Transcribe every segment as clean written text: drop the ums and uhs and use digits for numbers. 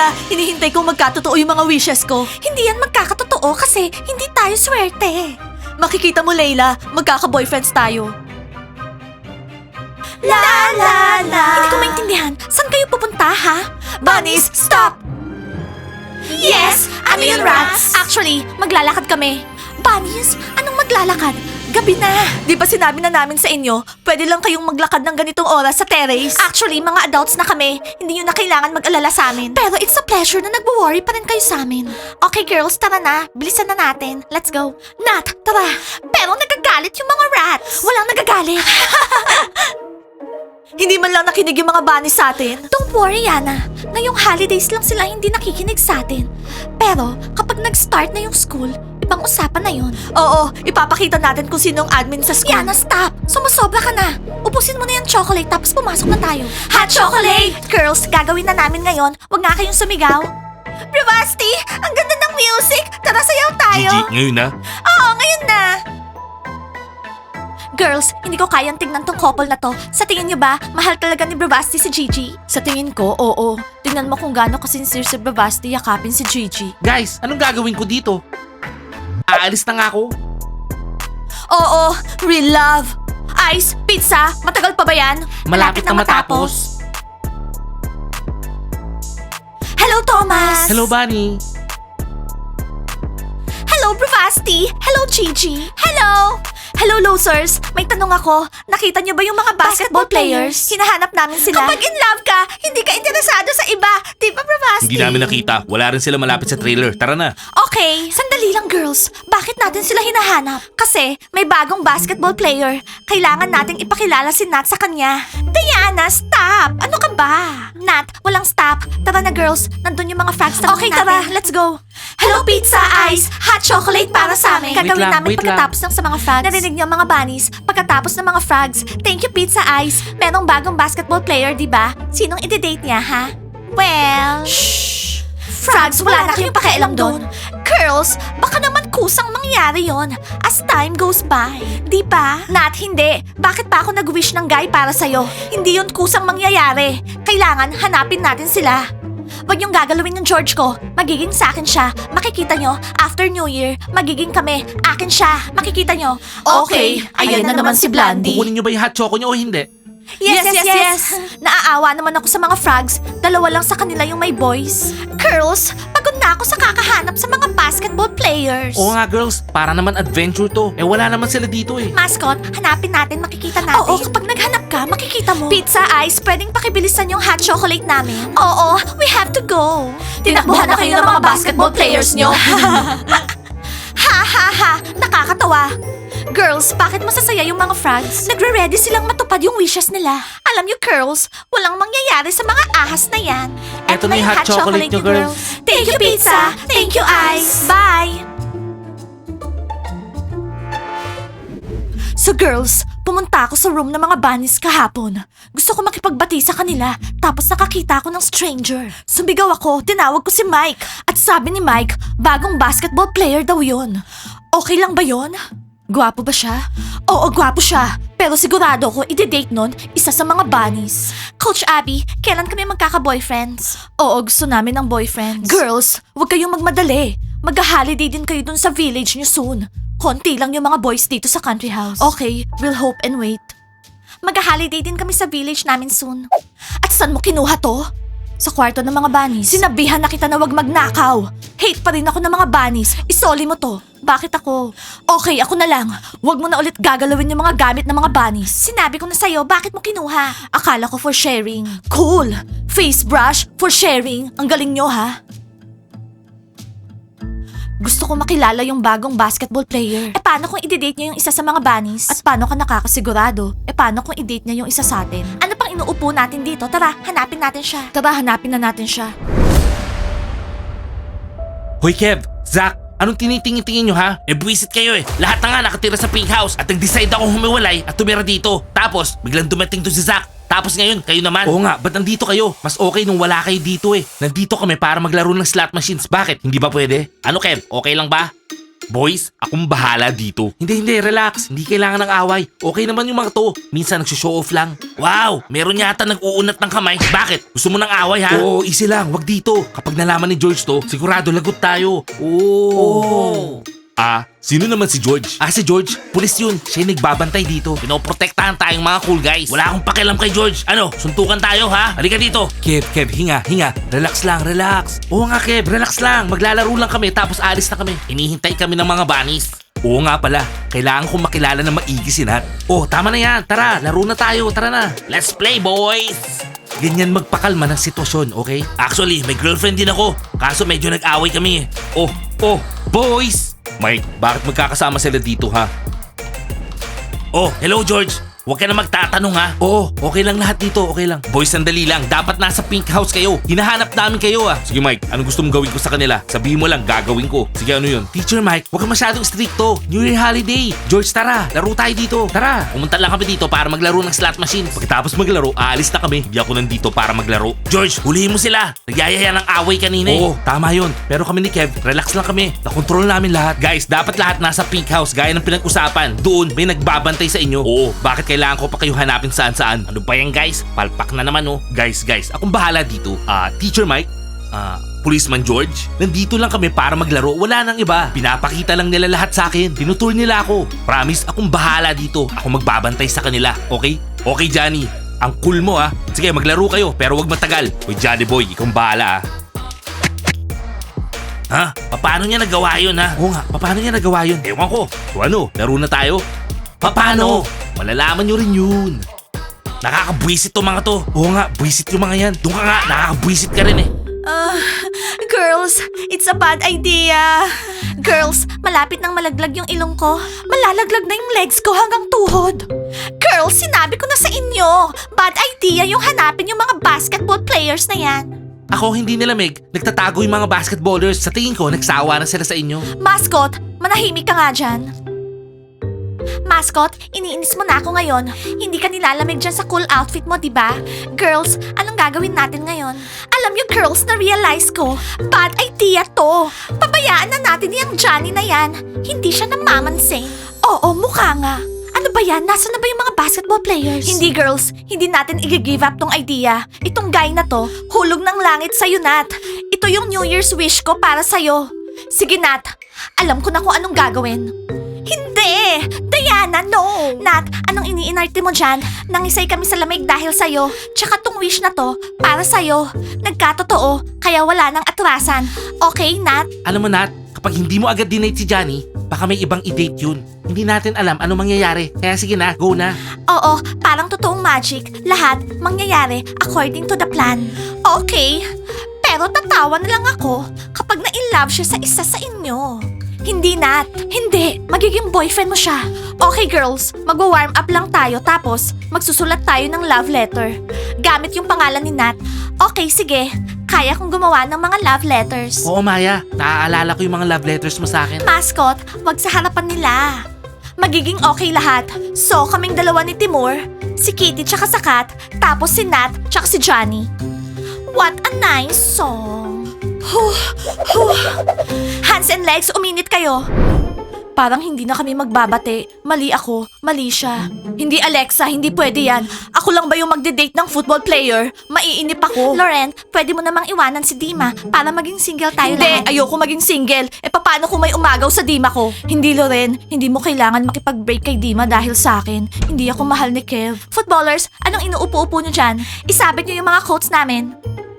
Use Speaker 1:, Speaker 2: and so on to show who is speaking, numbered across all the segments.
Speaker 1: Layla, hinihintay kong magkatotoo yung mga wishes ko. Hindi yan magkakatotoo kasi hindi tayo swerte. Makikita mo, Layla, magkaka-boyfriends tayo. La la la. Hindi ko maintindihan. Saan kayo pupunta, ha? Bunnies, stop! Yes! Ano yun, Rats? Actually, maglalakad kami. Bunnies, anong maglalakad? Gabi na. Di ba sinabi na namin sa inyo, pwede lang kayong maglakad ng ganitong oras sa terrace? Actually, mga adults na kami. Hindi nyo na kailangan mag-alala sa amin. Pero it's a pleasure na nagwo-worry pa rin kayo sa amin. Okay, girls, tara na. Bilisan na natin. Let's go. Nat, tara. Pero nagagalit yung mga rats. Walang nagagalit. Hindi man lang nakinig yung mga bunnies sa atin. Don't worry, Yana. Ngayong holidays lang sila hindi nakikinig sa atin. Pero kapag nag-start na yung school, ibang usapan na yun. Oo, ipapakita natin kung sino ang admin sa school. Yana, stop! Sumusobra ka na. Ubusin mo na yung chocolate tapos pumasok na tayo. Hot chocolate! Girls, gagawin na namin ngayon. Huwag nga kayong sumigaw. Bravasti, ang ganda ng music. Tara, sayaw tayo.
Speaker 2: Gigi, ngayon na.
Speaker 1: Oo, ngayon na. Girls, hindi ko kayang tingnan tong couple na to. Sa tingin niyo ba, mahal talaga ni Bravasti si Gigi? Sa tingin ko, oo. Tingnan mo kung gaano kasincere si Bravasti yakapin si Gigi.
Speaker 2: Guys, anong gagawin ko dito? Aalis na nga ako.
Speaker 1: Oo, real love. Ice, pizza, matagal pa ba yan?
Speaker 2: Malapit na matapos.
Speaker 1: Hello, Thomas!
Speaker 2: Hello, Bunny.
Speaker 1: Hello, Bravasti! Hello, Gigi! Hello! Hello, losers! May tanong ako. Nakita niyo ba yung mga basketball players? Hinahanap namin sila. Kapag in love ka, hindi ka interesado sa iba. Di ba, Bravasti?
Speaker 2: Hindi namin nakita. Wala rin sila malapit sa trailer. Tara na.
Speaker 1: Okay, sandali lang, girls. Bakit natin sila hinahanap? Kasi may bagong basketball player. Kailangan nating ipakilala si Nat sa kanya. Diana, stop! Ano ka ba? Nat, walang stop. Tara na, girls. Nandun yung mga frags na
Speaker 2: Okay,
Speaker 1: tara. Let's go. Hello, pizza, ice, hot chocolate para sa amin. Gagawin namin
Speaker 2: wait lang.
Speaker 1: pagkatapos ng sa mga frags. Narinig niyo mga bunnies? Pagkatapos ng mga frags. Thank you, pizza, ice. Merong bagong basketball player, di ba? Sinong i-date niya, ha? Well... Shh! Frogs, wala na kayong pakialam doon. Girls, baka naman kusang mangyari yon as time goes by. Di ba? Nat, hindi. Bakit pa ako nag-wish ng guy para sa'yo? Hindi yon kusang mangyayari. Kailangan hanapin natin sila. Huwag niyong gagalawin yung George ko. Magiging sa akin siya. Makikita nyo, after New Year, magiging kami. Akin siya. Makikita nyo.
Speaker 2: Okay, ayan na naman si Blandy. Kukunin niyo ba yung hot choco niyo o hindi?
Speaker 1: Yes. Naaawa naman ako sa mga frogs. Dalawa lang sa kanila yung may boys. Girls, pagod na ako sa kakahanap sa mga basketball players.
Speaker 2: Oo nga girls, para naman adventure to. Eh wala naman sila dito eh.
Speaker 1: Mascot, hanapin natin, makikita natin. Oo, kapag naghanap ka, makikita mo. Pizza Ice, pwedeng pakibilisan yung hot chocolate namin? Oo, we have to go. Tinakbuhan na kayo ng mga basketball players nyo. Ha, nakakatawa. Girls, bakit masasaya yung mga frogs? Nagre-ready silang matupad yung wishes nila. Alam niyo, girls, walang mangyayari sa mga ahas na yan.
Speaker 2: Eto na yung hot chocolate niyo, girls.
Speaker 1: Thank you, pizza. Thank you, Ice. Bye. So girls, pumunta ako sa room ng mga bunnies kahapon. Gusto ko makipagbati sa kanila, tapos nakakita ako ng stranger. Sumigaw ako, tinawag ko si Mike. At sabi ni Mike, bagong basketball player daw yun. Okay lang ba yun? Gwapo ba siya? Oo, gwapo siya. Pero sigurado ko, ide-date nun isa sa mga bunnies. Coach Abby, kailan kami magkaka-boyfriends? Oo, gusto namin ng boyfriends. Girls, huwag kayong magmadali. Mag-holiday din kayo dun sa village niyo soon. Konti lang yung mga boys dito sa country house. Okay, we'll hope and wait. Mag-holiday din kami sa village namin soon. At saan mo kinuha to? Sa kwarto ng mga bunnies. Sinabihan na kita na wag magnakaw. Hate pa rin ako ng mga bunnies. Isoli mo to. Bakit ako? Okay, ako na lang. Wag mo na ulit gagalawin yung mga gamit ng mga bunnies. Sinabi ko na sa'yo, bakit mo kinuha? Akala ko for sharing. Cool! Face brush for sharing. Ang galing nyo, ha? Gusto ko makilala yung bagong basketball player. Paano kung i-date niya yung isa sa mga bunnies? At paano ka nakakasigurado? Paano kung i-date niya yung isa sa atin? Ano pang inuupo natin dito? Tara, hanapin natin siya. Tara, hanapin na natin siya.
Speaker 2: Hoy Kev, Zach, anong tinitingin-tingin nyo ha? Buwisit kayo eh. Lahat na nga nakatira sa pink house at nag-decide akong humiwalay at tumira dito. Tapos, biglang dumating to si Zach. Tapos ngayon, kayo naman. Oo nga, ba't nandito kayo? Mas okay nung wala kayo dito eh. Nandito kami para maglaro ng slot machines. Bakit? Hindi ba pwede? Ano Kev, okay lang ba? Boys, akong bahala dito. Hindi, relax. Hindi kailangan ng away. Okay naman yung mga to. Minsan nagsushow off lang. Wow, meron yata nag-uunat ng kamay. Bakit? Gusto mo ng away ha? Oo, easy lang. Wag dito. Kapag nalaman ni George to, sigurado lagot tayo. Oh. Sino naman si George? Si George. Pulis yun. Siya yung nagbabantay dito. Pinoprotektahan tayong mga cool guys. Wala akong pakialam kay George. Ano, suntukan tayo ha? Halika dito. Kev, hinga. Relax lang, relax. Oo nga Kev, relax lang. Maglalaro lang kami tapos alis na kami. Hinihintay kami ng mga bunnies. Oo nga pala, kailangan kong makilala na maigi si Nat. Oh, tama na yan. Tara, laro na tayo. Tara na. Let's play, boys! Ganyan magpakalma ng sitwasyon, okay? Actually, may girlfriend din ako. Kaso medyo nag-away kami eh. Oh, boys! Mike, bakit magkakasama sila dito ha? Oh, hello George. Huwag ka na magtatanong ha. Oo, okay lang lahat dito, okay lang. Boys, sandali lang. Dapat nasa pink house kayo. Hinahanap namin kayo ah. Sige Mike, anong gusto mong gawin ko sa kanila? Sabihin mo lang, gagawin ko. Sige, ano yun? Teacher Mike, huwag ka masyadong stricto. New Year holiday. George, tara. Laro tayo dito. Tara. Pumunta lang kami dito para maglaro ng slot machine. Pagkatapos maglaro, aalis na kami. Hindi ako nandito para maglaro. George, hulihin mo sila. Nagyayaya ng away kanina eh. Oo, tama yun. Pero kami ni Kev, relax lang kami. Nakontrol namin lahat. Guys, dapat lahat nasa pink house gaya ng pinag-usapan. Doon, may nagbabantay sa inyo. Oo, bakit kailangan ko pa kayo hanapin saan-saan? Ano ba yan guys? Palpak na naman oh. Guys, akong bahala dito. Teacher Mike? Policeman George? Nandito lang kami para maglaro. Wala nang iba. Pinapakita lang nila lahat sa akin. Tinutur nila ako. Promise, akong bahala dito. Ako magbabantay sa kanila. Okay? Okay, Johnny. Ang cool mo ah. Sige, maglaro kayo pero wag matagal. Hoy, Johnny boy, ikaw bahala ah. Ha? Paano niya nagawa yun ha? Oo nga, paano niya nagawa yun? Ewan ko. So ano, laro na tayo? Paano? Malalaman nyo rin yun. Nakakabwisit to mga to. Oo nga, bwisit yung mga yan. Doon ka nga, nakakabwisit ka rin eh.
Speaker 1: Girls, it's a bad idea. Girls, malapit nang malaglag yung ilong ko. Malalaglag na yung legs ko hanggang tuhod. Girls, sinabi ko na sa inyo. Bad idea yung hanapin yung mga basketball players na yan.
Speaker 2: Ako hindi nilamig. Nagtatago yung mga basketballers. Sa tingin ko, nagsawa na sila sa inyo.
Speaker 1: Mascot, manahimik ka nga dyan. Mascot, iniinis mo na ako ngayon. Hindi ka nilalamig dyan sa cool outfit mo, diba? Girls, anong gagawin natin ngayon? Alam niyo girls, na-realize ko, bad idea to. Pabayaan na natin yung Johnny na yan. Hindi siya namamansin. Oo, mukha nga. Ano ba yan? Nasaan na ba yung mga basketball players? Hindi girls, hindi natin i-give up tong idea. Itong guy na to, hulog ng langit sa'yo, Nat. Ito yung New Year's wish ko para sa'yo. Sige, Nat. Alam ko na kung anong gagawin. Hindi! Diana, no! Nat, anong iniinarte mo dyan? Nangisay kami sa lamig dahil sa'yo. Tsaka tong wish na to, para sa'yo. Nagkatotoo, kaya wala nang atrasan. Okay, Nat?
Speaker 2: Alam mo Nat, kapag hindi mo agad dinate si Johnny, baka may ibang i-date yun. Hindi natin alam ano mangyayari. Kaya sige na, go na.
Speaker 1: Oo, parang totoong magic. Lahat mangyayari according to the plan. Okay, pero tatawa na lang ako kapag na-inlove siya sa isa sa inyo. Hindi, Nat. Hindi. Magiging boyfriend mo siya. Okay, girls. Mag-warm up lang tayo tapos magsusulat tayo ng love letter. Gamit yung pangalan ni Nat. Okay, sige. Kaya kong gumawa ng mga love letters.
Speaker 2: Oo Maya, naaalala ko yung mga love letters mo sa akin.
Speaker 1: Mascot, wag sa harapan nila. Magiging okay lahat. So, kaming dalawa ni Timur, si Kitty tsaka si Kat, tapos si Nat tsaka si Johnny. What a nice song. Hands and legs, uminit kayo. Parang hindi na kami magbabate. Mali ako, mali siya. Hindi Alexa, hindi pwede yan. Ako lang ba yung magde-date ng football player? Maiinip ako. Loren, pwede mo namang iwanan si Dima para maging single tayo lahat. Hindi, ayoko maging single. Paano kung may umagaw sa Dima ko? Hindi, Loren. Hindi mo kailangan makipag-break kay Dima dahil sa akin. Hindi ako mahal ni Kev. Footballers, anong inuupo-upo nyo dyan? Isabit nyo yung mga quotes namin.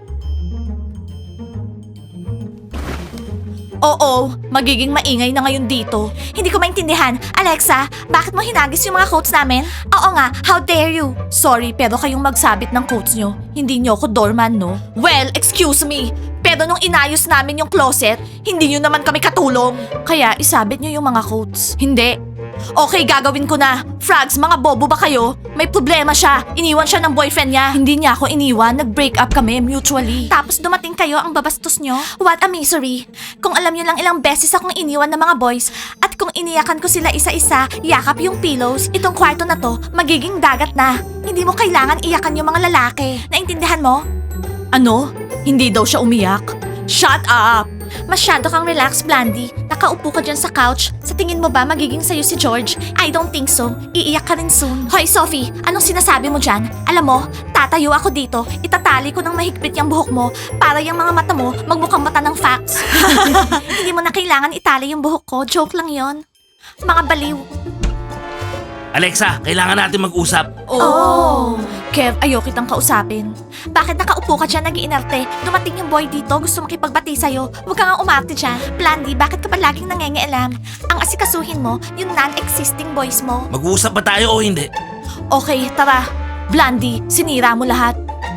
Speaker 1: Oo, magiging maingay na ngayon dito. Hindi ko maintindihan. Alexa, bakit mo hinagis yung mga quotes namin? Oo nga, how dare you? Sorry, pero kayong magsabit ng quotes nyo. Hindi nyo ako doorman, no? Well, excuse me. Pero nung inayos namin yung closet, hindi nyo naman kami katulong. Kaya isabit nyo yung mga quotes. Hindi. Okay, gagawin ko na. Frogs, mga bobo ba kayo? May problema siya. Iniwan siya ng boyfriend niya. Hindi niya ako iniwan. Nag-break up kami mutually. Tapos dumating kayo ang babastos nyo? What a misery. Kung alam nyo lang ilang beses akong iniwan ng mga boys at kung iniyakan ko sila isa-isa, yakap yung pillows, itong kwarto na to, magiging dagat na. Hindi mo kailangan iyakan yung mga lalaki. Naintindihan mo? Ano? Hindi daw siya umiyak? Shut up! Masyado kang relax, Blandy. Nakaupo ka dyan sa couch. Sa tingin mo ba magiging sa'yo si George? I don't think so. Iiyak ka rin soon. Hoy, Sophie, anong sinasabi mo dyan? Alam mo, tatayo ako dito. Itatali ko ng mahigpit yung buhok mo para yung mga mata mo magmukhang mata ng facts. Hindi mo na kailangan itali yung buhok ko. Joke lang yon. Mga baliw.
Speaker 2: Alexa, kailangan natin mag-usap.
Speaker 1: Oh! Kev, ayaw kitang kausapin. Bakit nakaupo ka dyan nag-iinarte? Dumating yung boy dito, gusto makipagbati sa'yo. Huwag ka nga umarte dyan. Blandy, bakit ka ba laging nangengialam? Ang asikasuhin mo, yung non-existing boys mo.
Speaker 2: Mag-uusap ba tayo o hindi?
Speaker 1: Okay, tara. Blandy, sinira mo lahat.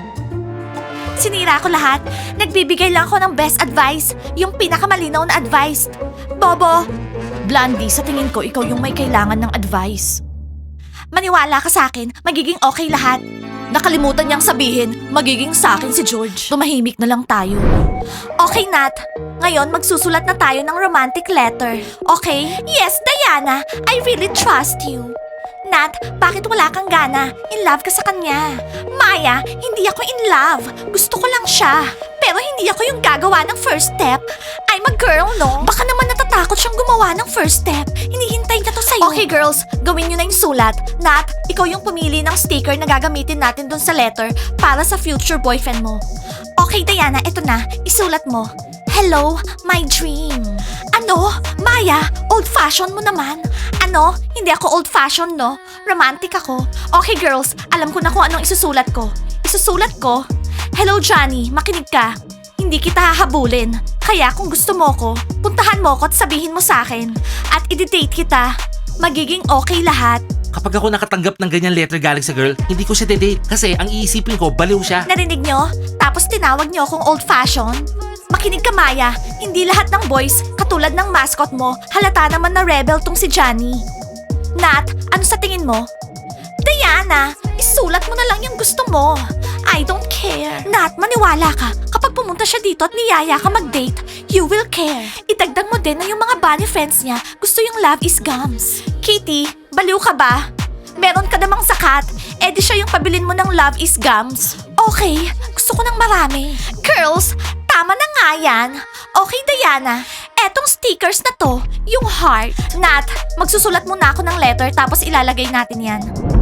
Speaker 1: Sinira ko lahat. Nagbibigay lang ako ng best advice. Yung pinakamalinaw na advice. Bobo! Blandy, sa tingin ko, ikaw yung may kailangan ng advice. Maniwala ka sa akin, magiging okay lahat. Nakalimutan niyang sabihin, magiging sa akin si George. Tumahimik na lang tayo. Okay, Nat. Ngayon, magsusulat na tayo ng romantic letter. Okay? Yes, Diana. I really trust you. Nat, bakit wala kang gana? In love ka sa kanya. Maya, hindi ako in love. Gusto ko lang siya. Pero hindi ako yung gagawa ng first step. I'm a girl, no? Baka naman natatakot siyang gumawa ng first step. Hinihintay niya to sa'yo. Okay, girls. Gawin niyo na yung sulat. Nat, ikaw yung pumili ng sticker na gagamitin natin dun sa letter para sa future boyfriend mo. Okay, Diana, ito na. Isulat mo. Hello, my dream. Ano? Maya, old-fashioned mo naman. Ano? Hindi ako old-fashioned, no? Romantic ako. Okay, girls. Alam ko na kung anong isusulat ko. Isusulat ko? Hello, Johnny. Makinig ka. Hindi kita hahabulin. Kaya kung gusto mo ko, puntahan mo ko at sabihin mo sa akin. At i-date kita. Magiging okay lahat.
Speaker 2: Kapag ako nakatanggap ng ganyan letter galing sa girl, hindi ko siya date. Kasi ang iisipin ko, baliw siya.
Speaker 1: Narinig nyo? Tapos tinawag nyo akong old-fashioned? Makinig ka, Maya. Hindi lahat ng boys, katulad ng mascot mo, halata naman na rebel tong si Johnny. Nat, ano sa tingin mo? Diana, isulat mo na lang yung gusto mo. I don't care. Nat, maniwala ka. Kapag pumunta siya dito at niyaya ka mag-date, you will care. Idagdag mo din na yung mga bunny friends niya gusto yung love is gums. Kitty, baliw ka ba? Meron ka namang sakat, edi siya yung pabilin mo ng love is gums. Okay, gusto ko ng marami. Girls, tama na nga yan. Okay, Diana. Etong stickers na to, yung heart. Nat, magsusulat muna ako ng letter tapos ilalagay natin yan.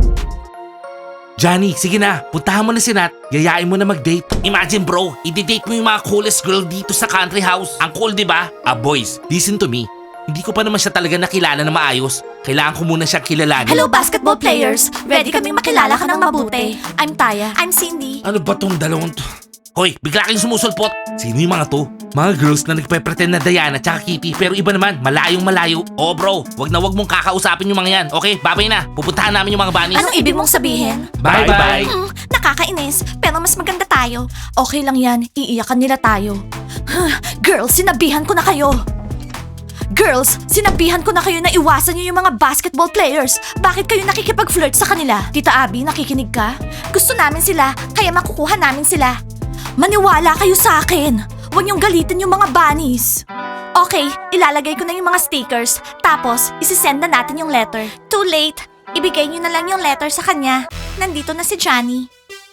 Speaker 2: Johnny, sige na. Puntahan mo na si Nat. Yayain mo na mag-date. Imagine bro, i-date mo yung mga coolest girl dito sa country house. Ang cool, di ba? Boys, listen to me. Hindi ko pa naman siya talaga nakilala na maayos. Kailangan ko muna siyang kilalanin.
Speaker 1: Hello, basketball players. Ready kaming makilala ka ng mabuti. I'm Taya. I'm Cindy.
Speaker 2: Ano ba tong dalawang to? Hoy, bigla kayong sumusulpot. Sino yung mga to? Mga girls na nagpe-pretend na Diana tsaka Kitty pero iba naman, malayong malayo. Oh bro, wag mong kakausapin yung mga yan. Okay, babay na. Pupuntahan namin yung mga bunnies.
Speaker 1: Anong ibig mong sabihin?
Speaker 2: Bye-bye.
Speaker 1: Nakakainis, pero mas maganda tayo. Okay lang yan, iiyakan nila tayo. Girls, sinabihan ko na kayo. Girls, sinabihan ko na kayo na iwasan niyo yung mga basketball players. Bakit kayo nakikipag-flirt sa kanila? Tita Abby, nakikinig ka? Gusto namin sila, kaya makukuha namin sila. Maniwala kayo sa akin. Huwag niyong galitin yung mga bunnies. Okay, ilalagay ko na yung mga stickers. Tapos, isisend na natin yung letter. Too late. Ibigay niyo na lang yung letter sa kanya. Nandito na si Johnny.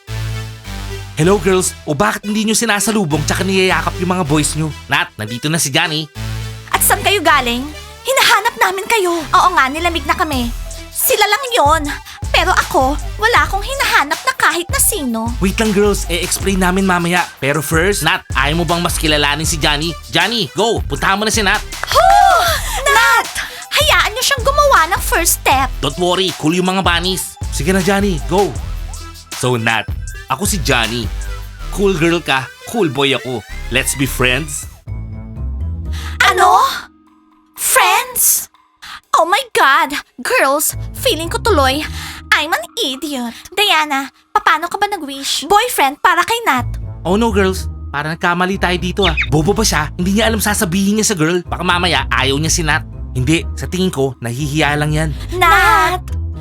Speaker 2: Hello girls, o bakit hindi nyo sinasalubong tsaka niyayakap yung mga boys nyo? Nat, nandito na si Johnny.
Speaker 1: At saan kayo galing? Hinahanap namin kayo. Oo nga, nilamig na kami. Sila lang yon. Pero ako, wala akong hinahanap na kahit na sino.
Speaker 2: Wait lang girls, e-explain namin mamaya. Pero first, Nat, ayaw mo bang mas kilalanin si Johnny? Johnny, go! Puntahan mo na si Nat.
Speaker 1: Nat! Hayaan niyo siyang gumawa ng first step.
Speaker 2: Don't worry, cool yung mga bunnies. Sige na Johnny, go! So Nat, ako si Johnny. Cool girl ka, cool boy ako. Let's be friends?
Speaker 1: Ano? Friends? Oh my God! Girls, feeling ko tuloy, I'm an idiot. Diana, paano ka ba nag-wish? Boyfriend para kay Nat.
Speaker 2: Oh no girls, parang nagkamali tayo dito ah. Bobo ba siya? Hindi niya alam sasabihin niya sa girl. Baka mamaya ayaw niya si Nat. Hindi, sa tingin ko, nahihiya lang yan.
Speaker 1: Nat!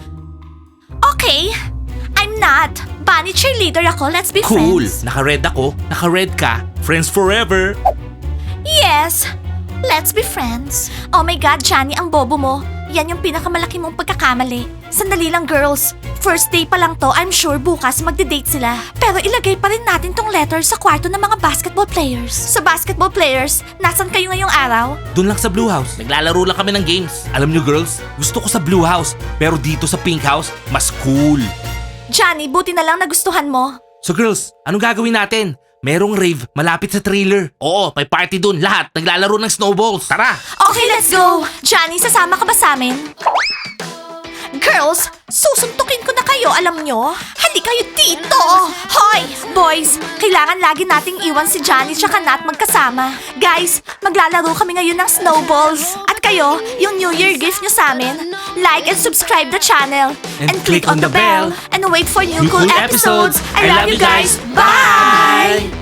Speaker 1: Okay, I'm Nat. Bunny cheerleader ako, let's be
Speaker 2: Cool!
Speaker 1: friends.
Speaker 2: Naka-red ako, naka-red ka. Friends forever!
Speaker 1: Yes, let's be friends. Oh my God, Johnny, ang bobo mo. Yan yung pinakamalaki mong pagkakamali. Sandali lang, girls. First day pa lang to, I'm sure bukas magde-date sila. Pero ilagay pa rin natin tong letter sa kwarto ng mga basketball players. Sa basketball players, nasan kayo ngayong araw?
Speaker 2: Doon lang sa Blue House. Naglalaro lang kami ng games. Alam nyo girls, gusto ko sa Blue House. Pero dito sa Pink House, mas cool.
Speaker 1: Johnny, buti na lang nagustuhan mo.
Speaker 2: So girls, anong gagawin natin? Merong rave malapit sa trailer. Oo, may party dun. Lahat naglalaro ng snowballs. Tara!
Speaker 1: Okay, let's go! Johnny, sasama ka ba sa amin? Girls, susuntukin ko na kayo, alam nyo? Hindi kayo dito! Hoy! Boys, kailangan lagi nating iwan si Johnny tsaka Nat magkasama. Guys, maglalaro kami ngayon ng snowballs. At kayo, yung New Year gift nyo sa amin, like and subscribe the channel.
Speaker 2: And click on the bell.
Speaker 1: And wait for new
Speaker 2: New
Speaker 1: cool
Speaker 2: cool
Speaker 1: episodes.
Speaker 2: episodes.
Speaker 1: I love you guys. Bye!